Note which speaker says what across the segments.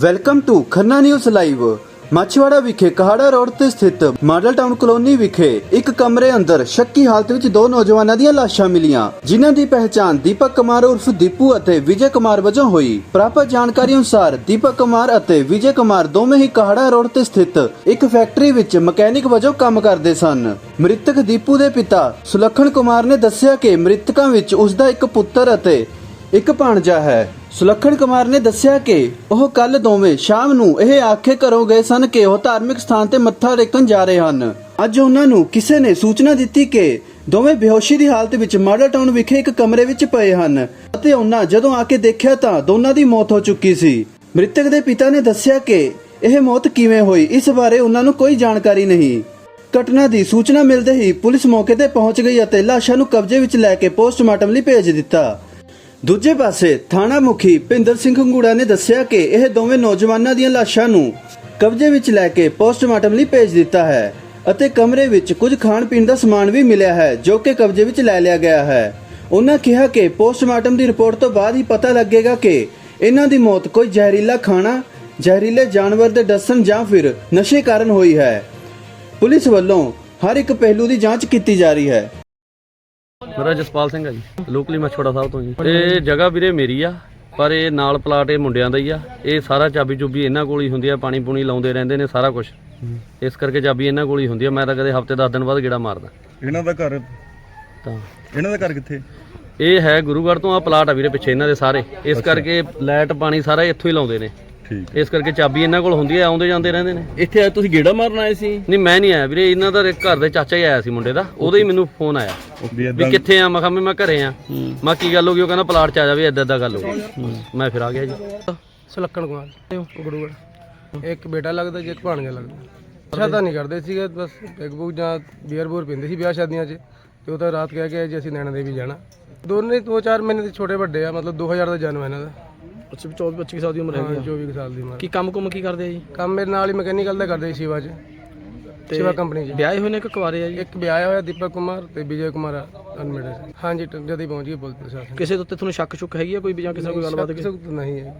Speaker 1: Welcome to Khanna news live. Machhiwara ਵਿਖੇ Kahara road ਤੇ ਸਥਿਤ ਮਾਡਲ ਟਾਊਨ ਕਲੋਨੀ ਵਿਖੇ ਇੱਕ ਕਮਰੇ ਅੰਦਰ ਸ਼ੱਕੀ ਹਾਲਤ ਵਿੱਚ ਦੋ ਨੌਜਵਾਨਾਂ ਦੀਆਂ ਲਾਸ਼ਾਂ ਮਿਲੀਆਂ, ਜਿਨ੍ਹਾਂ ਦੀ ਪਹਿਚਾਣ ਦੀਪਕ ਕੁਮਾਰ ਉਰਫ ਦੀਪੂ ਅਤੇ ਵਿਜੇ ਕੁਮਾਰ ਵਜੋਂ ਹੋਈ। ਪ੍ਰਾਪਤ ਜਾਣਕਾਰੀ ਅਨੁਸਾਰ ਦੀਪਕ ਕੁਮਾਰ ਅਤੇ ਵਿਜੇ ਕੁਮਾਰ ਦੋਵੇਂ ਹੀ ਕਹਾੜਾ ਰੋਡ ਤੇ ਸਥਿਤ ਇੱਕ ਫੈਕਟਰੀ ਵਿੱਚ ਮਕੈਨਿਕ ਵਜੋਂ ਕੰਮ ਕਰਦੇ ਸਨ। ਮ੍ਰਿਤਕ ਦੀਪੂ ਦੇ ਪਿਤਾ ਸੁਲੱਖਣ ਕੁਮਾਰ ਨੇ ਦੱਸਿਆ ਕਿ ਮ੍ਰਿਤਕਾਂ ਵਿੱਚ ਉਸ ਦਾ ਇੱਕ ਪੁੱਤਰ ਅਤੇ ਇੱਕ ਭਾਣਜਾ ਹੈ। ਸੁਲੱਖਣ ਕੁਮਾਰ ਨੇ ਦੱਸਿਆ ਕਿ ਉਹ ਕੱਲ ਦੋਵੇਂ ਸ਼ਾਮ ਨੂੰ ਇਹ ਆਖੇ ਘਰੋਂ ਗਏ ਸਨ ਕਿ ਉਹ ਧਾਰਮਿਕ ਸਥਾਨ ਤੇ ਮੱਥਾ ਟੇਕਣ ਜਾ ਰਹੇ ਹਨ। ਅੱਜ ਉਹਨਾਂ ਨੂੰ ਕਿਸੇ ਨੇ ਸੂਚਨਾ ਦਿੱਤੀ ਕਿ ਦੋਵੇਂ ਬੇਹੋਸ਼ੀ ਦੀ ਹਾਲਤ ਵਿੱਚ ਮਾਡਲ ਟਾਊਨ ਵਿਖੇ ਇੱਕ ਕਮਰੇ ਵਿੱਚ ਪਏ ਹਨ ਅਤੇ ਉਹਨਾਂ ਜਦੋਂ ਆ ਕੇ ਦੇਖਿਆ ਤਾਂ ਦੋਨਾਂ ਦੀ ਮੌਤ ਹੋ ਚੁੱਕੀ ਸੀ। ਮ੍ਰਿਤਕ ਦੇ ਪਿਤਾ ਨੇ ਦੱਸਿਆ ਕਿ ਇਹ ਮੌਤ ਕਿਵੇਂ ਹੋਈ, ਇਸ ਬਾਰੇ ਉਹਨਾਂ ਨੂੰ ਕੋਈ ਜਾਣਕਾਰੀ ਨਹੀਂ। ਘਟਨਾ ਦੀ ਸੂਚਨਾ ਮਿਲਦੇ ਹੀ ਪੁਲਿਸ ਮੌਕੇ ਤੇ ਪਹੁੰਚ ਗਈ ਅਤੇ ਲਾਸ਼ਾਂ ਨੂੰ ਕਬਜ਼ੇ ਵਿੱਚ ਲੈ ਕੇ ਪੋਸਟਮਾਰਟਮ ਲਈ ਭੇਜ ਦਿੱਤਾ। ਦੂਜੇ ਪਾਸੇ ਥਾਣਾ ਮੁਖੀ ਭਿੰਦਰ ਸਿੰਘ ਹੰਗੂੜਾ ਨੇ ਦੱਸਿਆ ਕਿ ਇਹ ਦੋਵੇਂ ਨੌਜਵਾਨਾਂ ਦੀਆਂ ਲਾਸ਼ਾਂ ਨੂੰ ਕਬਜ਼ੇ ਵਿੱਚ ਲੈ ਕੇ ਪੋਸਟਮਾਰਟਮ ਲਈ ਭੇਜ ਦਿੱਤਾ ਹੈ ਅਤੇ ਕਮਰੇ ਵਿੱਚ ਕੁਝ ਖਾਣ ਪੀਣ ਦਾ ਸਮਾਨ ਵੀ ਮਿਲਿਆ ਹੈ ਜੋ ਕਿ ਕਬਜ਼ੇ ਵਿੱਚ ਲੈ ਲਿਆ ਗਿਆ ਹੈ। ਉਹਨਾਂ ਕਿਹਾ ਕਿ ਪੋਸਟਮਾਰਟਮ ਦੀ ਰਿਪੋਰਟ ਤੋਂ ਬਾਅਦ ਹੀ ਪਤਾ ਲੱਗੇਗਾ ਕਿ ਇਹਨਾਂ ਦੀ ਮੌਤ ਕੋਈ ਜ਼ਹਿਰੀਲਾ ਖਾਣਾ, ਜ਼ਹਿਰੀਲੇ ਜਾਨਵਰ ਦੇ ਡਸਣ ਜਾਂ ਫਿਰ ਨਸ਼ੇ ਕਾਰਨ ਹੋਈ ਹੈ। ਪੁਲਿਸ ਵੱਲੋਂ ਹਰ ਇੱਕ ਪਹਿਲੂ ਦੀ ਜਾਂਚ ਕੀਤੀ ਜਾ ਰਹੀ ਹੈ।
Speaker 2: ਮੇਰਾ ਜਸਪਾਲ ਸਿੰਘ ਹੈ ਜੀ, ਲੋਕਲੀ ਮਛੋੜਾ ਸਾਹਿਬ ਤੋਂ ਜੀ। ਇਹ ਜਗ੍ਹਾ ਵੀਰੇ ਮੇਰੀ ਆ, ਪਰ ਇਹ ਨਾਲ ਪਲਾਟ ਇਹ ਮੁੰਡਿਆਂ ਦਾ ਹੀ ਆ। ਇਹ ਸਾਰਾ ਚਾਬੀ ਚੁਬੀ ਇਹਨਾਂ ਕੋਲ ਹੀ ਹੁੰਦੀ ਆ, ਪਾਣੀ ਪੂਣੀ ਲਾਉਂਦੇ ਰਹਿੰਦੇ ਨੇ ਸਾਰਾ ਕੁਝ, ਇਸ ਕਰਕੇ ਚਾਬੀ ਇਹਨਾਂ ਕੋਲ ਹੀ ਹੁੰਦੀ ਆ। ਮੈਂ ਤਾਂ ਕਦੇ ਹਫਤੇ 10 ਦਿਨ ਬਾਅਦ ਗੇੜਾ ਮਾਰਦਾ।
Speaker 3: ਇਹਨਾਂ ਦਾ ਘਰ
Speaker 2: ਤਾਂ
Speaker 3: ਇਹਨਾਂ ਦਾ ਘਰ ਕਿੱਥੇ?
Speaker 2: ਇਹ ਹੈ ਗੁਰੂਗੜ੍ਹ ਤੋਂ, ਆ ਪਲਾਟ ਆ ਵੀਰੇ ਪਿੱਛੇ ਇਹਨਾਂ ਦੇ ਸਾਰੇ, ਇਸ ਕਰਕੇ ਲਾਈਟ ਪਾਣੀ ਸਾਰਾ ਇੱਥੋਂ ਹੀ ਲਾਉਂਦੇ ਨੇ, ਇਸ ਕਰਕੇ ਚਾਬੀ ਇਹਨਾਂ ਕੋਲ ਹੁੰਦੀ ਆ, ਆਉਂਦੇ ਜਾਂਦੇ ਰਹਿੰਦੇ ਨੇ।
Speaker 4: ਇੱਥੇ ਤੁਸੀਂ ਗੇੜਾ ਮਾਰਨ ਆਏ ਸੀ?
Speaker 2: ਨਹੀਂ ਮੈਂ ਨਹੀਂ ਆਇਆ ਵੀਰੇ, ਇਹਨਾਂ ਦਾ ਘਰ ਦੇ ਚਾਚਾ ਹੀ ਆਇਆ ਸੀ ਮੁੰਡੇ ਦਾ, ਉਹਦਾ ਹੀ ਮੈਨੂੰ ਫੋਨ ਆਇਆ ਵੀ ਕਿੱਥੇ ਆ। ਮੈਂ ਕਿਹਾ ਮੈਂ ਘਰੇ ਆ। ਮੈਂ ਕੀ ਗੱਲ ਹੋ ਗਈ? ਉਹ ਕਹਿੰਦਾ ਪਲਾਟ 'ਚ ਆ ਜਾਵੇ, ਏਦਾਂ ਗੱਲ ਹੋ ਗਈ। ਮੈਂ ਫਿਰ ਆ ਗਿਆ ਜੀ।
Speaker 5: ਸੁਲੱਖਣ ਕੁਮਾਰ ਗੁਰੂਗੜ੍ਹ, ਇੱਕ ਬੇਟਾ ਲੱਗਦਾ ਜੀ, ਇੱਕ ਭਾਣਜਾ ਲੱਗਦਾ। ਨਸ਼ਾ ਤਾਂ ਨਹੀਂ ਕਰਦੇ ਸੀਗੇ, ਬਸ ਪੈਗ ਪੁਗ ਜਾਂ ਬੀਅਰ ਬੂਰ ਪੀਂਦੇ ਸੀ ਵਿਆਹ ਸ਼ਾਦੀਆਂ 'ਚ, ਤੇ ਉਹ ਤਾਂ ਰਾਤ ਕਹਿ ਕੇ ਜੀ ਅਸੀਂ ਨੈਣਾ ਦੇਵੀ ਜਾਣਾ। ਦੋਨੇ 2-4 ਮਹੀਨੇ ਦੇ ਛੋਟੇ ਵੱਡੇ ਆ, ਮਤਲਬ 2000 ਦਾ ਜਨਮ ਹੈ ਇਹਨਾਂ ਦਾ।
Speaker 4: ਅੱਛਾ, 24-25 ਸਾਲ ਦੀ ਉਮਰ ਹੈ।
Speaker 5: 24 ਸਾਲ ਦੀ ਉਮਰ।
Speaker 4: ਕੀ ਕੰਮ ਕੁਮ ਕੀ ਕਰਦੇ ਆ ਜੀ?
Speaker 5: ਕੰਮ ਮੇਰੇ ਨਾਲ ਹੀ ਮਕੈਨੀਕਲ ਦਾ ਕਰਦੇ ਸੀ ਸ਼ਿਵਾ 'ਚ, ਸ਼ਿਵਾ ਕੰਪਨੀ 'ਚ।
Speaker 4: ਵਿਆਹੇ ਹੋਏ ਨੇ ਕਿ ਕੁਆਰੇ ਆ ਜੀ?
Speaker 5: ਇੱਕ ਵਿਆਹਿਆ ਹੋਇਆ ਦੀਪਕ ਕੁਮਾਰ ਤੇ ਵਿਜੇ ਕੁਮਾਰ ਅਨਮੈਰਿਡ। ਹਾਂਜੀ, ਜਦ ਹੀ ਪਹੁੰਚ ਗਈ ਪੁਲਿਸ ਪ੍ਰਸ਼ਾਸਨ।
Speaker 4: ਕਿਸੇ ਦੇ ਉੱਤੇ ਤੁਹਾਨੂੰ ਸ਼ੱਕ ਸ਼ੁਕ ਹੈਗੀ ਆ ਕੋਈ ਜਾਂ ਕਿਸੇ ਨਾਲ ਕੋਈ ਗੱਲਬਾਤ?
Speaker 5: ਕਿਸੇ ਤੋਂ ਨਹੀਂ ਹੈ।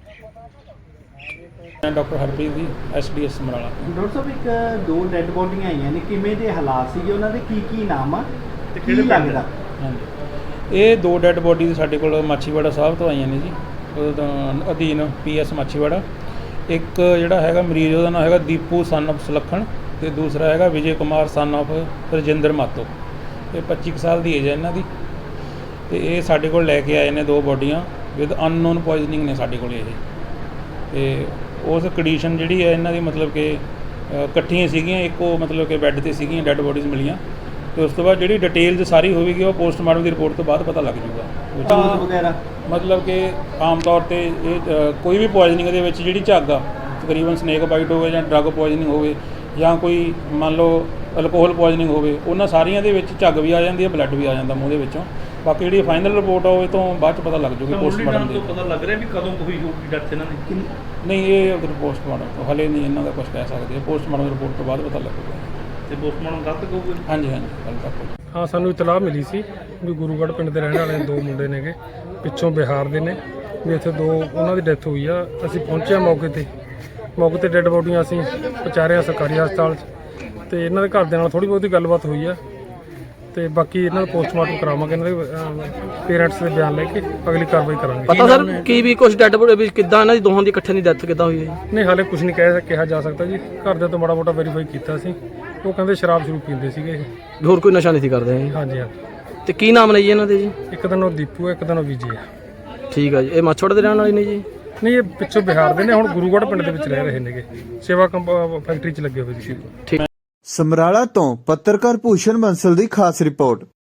Speaker 6: ਮੈਂ ਡਾਕਟਰ ਹਰਪ੍ਰੀਤ ਜੀ, SDS ਸਮਰਾਲਾ।
Speaker 7: ਡਾਕਟਰ ਸਾਹਿਬ, ਇੱਕ ਦੋ ਡੈੱਡ ਬੋਡੀਆਂ ਆਈਆਂ ਨੇ, ਕਿਵੇਂ ਦੇ ਹਾਲਾਤ ਸੀਗੇ ਉਹਨਾਂ ਦੇ, ਕੀ ਨਾਮ ਆ ਤੇ ਕੀ ਲੱਗਦਾ?
Speaker 6: ਹਾਂਜੀ, ਇਹ ਦੋ ਡੈੱਡ ਬੋਡੀ ਸਾਡੇ ਕੋਲ ਮਾਛੀਵਾੜਾ ਸਾਹਿਬ ਤੋਂ ਆਈਆਂ ਨੇ ਜੀ, ਉਹਦਾ ਅਧੀਨ PS ਮਾਛੀਵਾੜਾ। ਇੱਕ ਜਿਹੜਾ ਹੈਗਾ ਮਰੀਜ਼, ਉਹਦਾ ਨਾਮ ਹੈਗਾ ਦੀਪੂ ਸਨ ਆਫ ਸੁਲੱਖਣ, ਤੇ ਦੂਸਰਾ ਹੈਗਾ ਵਿਜੇ ਕੁਮਾਰ ਸਨ ਆਫ ਰਜਿੰਦਰ ਮਾਤੋ। ਇਹ 25 ਸਾਲ ਦੀ ਏਜ ਹੈ ਇਹਨਾਂ ਦੀ, ਤੇ ਇਹ ਸਾਡੇ ਕੋਲ ਲੈ ਕੇ ਆਏ ਨੇ ਦੋ ਬੋਡੀਆਂ ਵਿਦ ਅਨਨੋਨ ਪੋਇਜ਼ਨਿੰਗ ਨੇ ਸਾਡੇ ਕੋਲ ਇਹ। ਤੇ ਉਸ ਕੰਡੀਸ਼ਨ ਜਿਹੜੀ ਹੈ ਇਹਨਾਂ ਦੀ, ਮਤਲਬ ਕਿ ਇਕੱਠੀਆਂ ਸੀਗੀਆਂ, ਇੱਕੋ ਮਤਲਬ ਕਿ ਬੈੱਡ 'ਤੇ ਸੀਗੀਆਂ, ਡੈੱਡ ਬੋਡੀਜ਼ ਮਿਲੀਆਂ। ਤੇ ਉਸ ਤੋਂ ਬਾਅਦ ਜਿਹੜੀ ਡਿਟੇਲਸ ਸਾਰੀ ਹੋਵੇਗੀ ਉਹ ਪੋਸਟਮਾਰਟਮ ਦੀ ਰਿਪੋਰਟ ਤੋਂ ਬਾਅਦ ਪਤਾ ਲੱਗ ਜੂਗਾ।
Speaker 7: ਵਗੈਰਾ ਮਤਲਬ
Speaker 6: ਕਿ ਆਮ ਤੌਰ ਤੇ ਇਹ ਕੋਈ ਵੀ ਪੋਇਜ਼ਨਿੰਗ ਦੇ ਵਿੱਚ ਜਿਹੜੀ ਝੱਗ ਆ, ਤਕਰੀਬਨ ਸਨੇਕ ਬਾਈਟ ਹੋਵੇ ਜਾਂ ਡਰੱਗ ਪੋਇਜ਼ਨਿੰਗ ਹੋਵੇ ਜਾਂ ਕੋਈ ਮੰਨ ਲਓ ਅਲਕੋਹਲ ਪੋਇਜ਼ਨਿੰਗ ਹੋਵੇ, ਉਹਨਾਂ ਸਾਰੀਆਂ ਦੇ ਵਿੱਚ ਝੱਗ ਵੀ ਆ ਜਾਂਦੀ ਹੈ, ਬਲੱਡ ਵੀ ਆ ਜਾਂਦਾ ਮੂੰਹ ਦੇ ਵਿੱਚੋਂ। ਬਾਕੀ ਜਿਹੜੀ ਫਾਈਨਲ ਰਿਪੋਰਟ ਆ ਉਹ ਤੋਂ ਬਾਅਦ 'ਚ ਪਤਾ ਲੱਗ ਜੂਗੀ ਪੋਸਟਮਾਰਟਮ ਦੀ।
Speaker 4: ਪਤਾ ਲੱਗ ਰਿਹਾ ਵੀ ਕਦੋਂ ਹੋਈ ਹੋਊਗੀ ਡੈਥ ਇਹਨਾਂ ਦੀ?
Speaker 6: ਨਹੀਂ, ਇਹ ਪੋਸਟਮਾਰਟਮ ਤੋਂ ਹਲੇ ਨਹੀਂ ਇਹਨਾਂ ਦਾ ਕੁਝ ਕਹਿ ਸਕਦੇ, ਪੋਸਟਮਾਰਟਮ ਰਿਪੋਰਟ ਤੋਂ ਬਾਅਦ ਪਤਾ ਲੱਗੂਗਾ।
Speaker 4: ਤੇ ਪੋਸਟਮਾਰਟਮ ਕੱਲ੍ਹ ਤੱਕ ਹੋਊਗਾ?
Speaker 6: ਹਾਂਜੀ ਹਾਂਜੀ, ਕੱਲ੍ਹ ਤੱਕ।
Speaker 5: ਹਾਂ, ਸਾਨੂੰ ਇਤਲਾਹ ਮਿਲੀ ਸੀ ਵੀ ਗੁਰੂਗੜ੍ਹ ਪਿੰਡ ਦੇ ਰਹਿਣ ਵਾਲੇ ਦੋ ਮੁੰਡੇ ਨੇਗੇ, ਪਿੱਛੋਂ ਬਿਹਾਰ ਦੇ ਨੇ, ਵੀ ਇੱਥੇ ਦੋ ਉਹਨਾਂ ਦੀ ਡੈਥ ਹੋਈ ਆ। ਅਸੀਂ ਪਹੁੰਚੇ ਮੌਕੇ ਤੇ ਡੈੱਡ ਬੋਡੀਆਂ ਅਸੀਂ ਪਹੁੰਚਾਰਿਆ ਸਰਕਾਰੀ ਹਸਪਤਾਲ 'ਚ, ਤੇ ਇਹਨਾਂ ਦੇ ਘਰ ਦੇ ਨਾਲ ਥੋੜ੍ਹੀ ਬਹੁਤੀ ਗੱਲਬਾਤ ਹੋਈ ਆ, ਤੇ ਬਾਕੀ ਇਹਨਾਂ ਦਾ ਪੋਸਟਮਾਰਟਮ ਕਰਾਵਾਂਗੇ, ਇਹਨਾਂ ਦੇ ਪੇਰੈਂਟਸ ਦੇ ਬਿਆਨ ਲੈ ਕੇ ਅਗਲੀ ਕਾਰਵਾਈ ਕਰਾਂਗੇ।
Speaker 4: ਪਤਾ ਸਰ ਕੀ ਵੀ ਕੁਝ ਡੈਡ ਬੋਡੀ ਕਿੱਦਾਂ ਇਹਨਾਂ ਦੀ ਦੋਹਾਂ ਦੀ ਇਕੱਠੇ ਦੀ ਡੈਥ ਕਿੱਦਾਂ ਹੋਈ ਹੈ?
Speaker 5: ਨਹੀਂ, ਹਾਲੇ ਕੁਝ ਨਹੀਂ ਕਿਹਾ ਜਾ ਸਕਦਾ ਜੀ। ਘਰਦਿਆਂ ਤੋਂ ਮਾੜਾ ਮੋਟਾ ਵੈਰੀਫਾਈ ਕੀਤਾ ਸੀ, ਉਹ ਕਹਿੰਦੇ ਸ਼ਰਾਬ ਸ਼ੁਰੂ ਪੀਂਦੇ ਸੀਗੇ ਇਹ।
Speaker 4: ਹੋਰ ਕੋਈ ਨਸ਼ਾ ਨਹੀਂ ਸੀ ਕਰਦੇ ਜੀ?
Speaker 5: ਹਾਂਜੀ।
Speaker 4: ਤੇ ਕੀ ਨਾਮ ਨੇ ਜੀ ਇਹਨਾਂ ਦੇ ਜੀ?
Speaker 5: ਇੱਕ ਦਿਨ ਉਹ ਦੀਪੂ ਹੈ, ਇੱਕ ਦਿਨ ਉਹ ਵਿਜੇ ਹੈ।
Speaker 4: ਠੀਕ ਆ ਜੀ। ਇਹ ਮਾਛੋੜ ਦੇ ਰਹਿਣ ਵਾਲੇ ਨੇ ਜੀ?
Speaker 5: ਨਹੀਂ, ਇਹ ਪਿੱਛੋਂ ਬਿਹਾਰ ਦੇ ਨੇ, ਹੁਣ ਗੁਰੂਗੜ੍ਹ ਪਿੰਡ ਦੇ ਵਿੱਚ ਰਹਿ ਰਹੇ ਨੇਗੇ, ਸੇਵਾ ਫੈਕਟਰੀ 'ਚ ਲੱਗੇ ਹੋਏ ਸੀ।
Speaker 1: ਸਮਰਾਲਾ ਤੋਂ ਪੱਤਰਕਾਰ ਭੂਸ਼ਣ ਬੰਸਲ ਦੀ ਖਾਸ ਰਿਪੋਰਟ।